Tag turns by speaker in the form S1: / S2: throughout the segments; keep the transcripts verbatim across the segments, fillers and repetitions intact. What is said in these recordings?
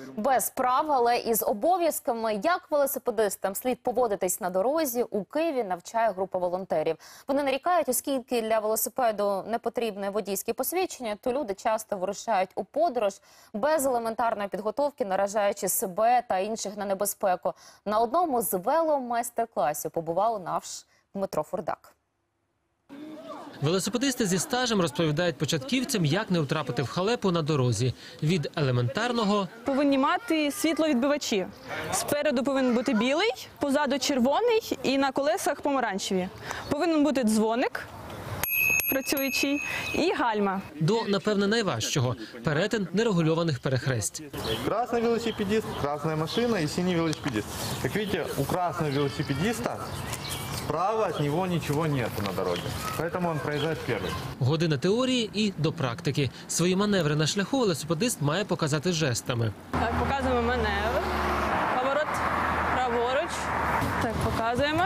S1: Без прав, але із обов'язками, як велосипедистам слід поводитись на дорозі, у Києві навчає група волонтерів. Вони нарікають, оскільки для велосипеду не потрібне водійське посвідчення, то люди часто вирушають у подорож без елементарної підготовки, наражаючи себе та інших на небезпеку. На одному з веломайстер-класів побував наш Дмитро Фурдак.
S2: Велосипедисти зі стажем розповідають початківцям, як не втрапити в халепу на дорозі. Від елементарного –
S3: повинні мати світловідбивачі. Спереду повинен бути білий, позаду червоний і на колесах помаранчеві. Повинен бути дзвоник працюючий і гальма.
S2: До, напевне, найважчого – перетин нерегульованих перехресть.
S4: Красный велосипедист, красная машина и синий велосипедист. Как видите, у красного велосипедиста справа от него ничего нет на дороге, поэтому он проезжает первый.
S2: Година теорії і до практики. Свої маневри на шляху велосипедист має показати жестами.
S3: Так, показуємо маневр. Поворот праворуч. Так, показуємо.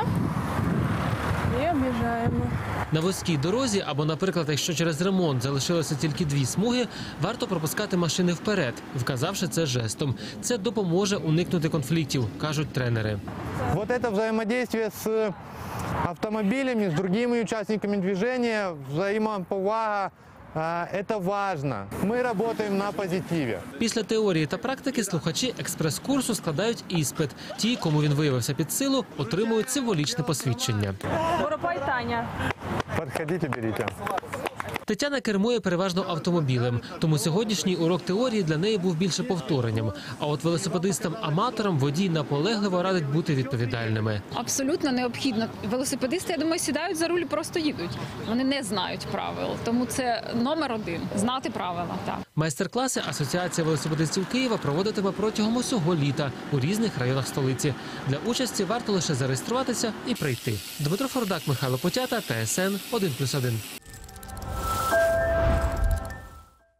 S3: І об'їжджаємо.
S2: На вузькій дорозі або, наприклад, якщо через ремонт залишилося тільки дві смуги, варто пропускати машини вперед, вказавши це жестом. Це допоможе уникнути конфліктів, кажуть тренери.
S4: Вот это взаимодействие с автомобилями, с другими участниками движения, взаимоповага, это важно. Мы работаем на позитиве.
S2: Після теорії та практики слухачі експрес-курсу складають іспит. Ті, кому він виявився під силу, отримують символічне посвідчення.
S3: Воропай Таня.
S4: Подходите, берите.
S2: Тетяна кермує переважно автомобілем, тому сьогоднішній урок теорії для неї був більше повторенням. А от велосипедистам-аматорам водій наполегливо радить бути відповідальними.
S5: Абсолютно необхідно. Велосипедисти, я думаю, сідають за руль і просто їдуть. Вони не знають правил, тому це номер один – знати правила. Так.
S2: Майстер-класи Асоціація велосипедистів Києва проводитиме протягом усього літа у різних районах столиці. Для участі варто лише зареєструватися і прийти. Дмитро Фурдак, Михайло Потята, Т С Н один плюс один.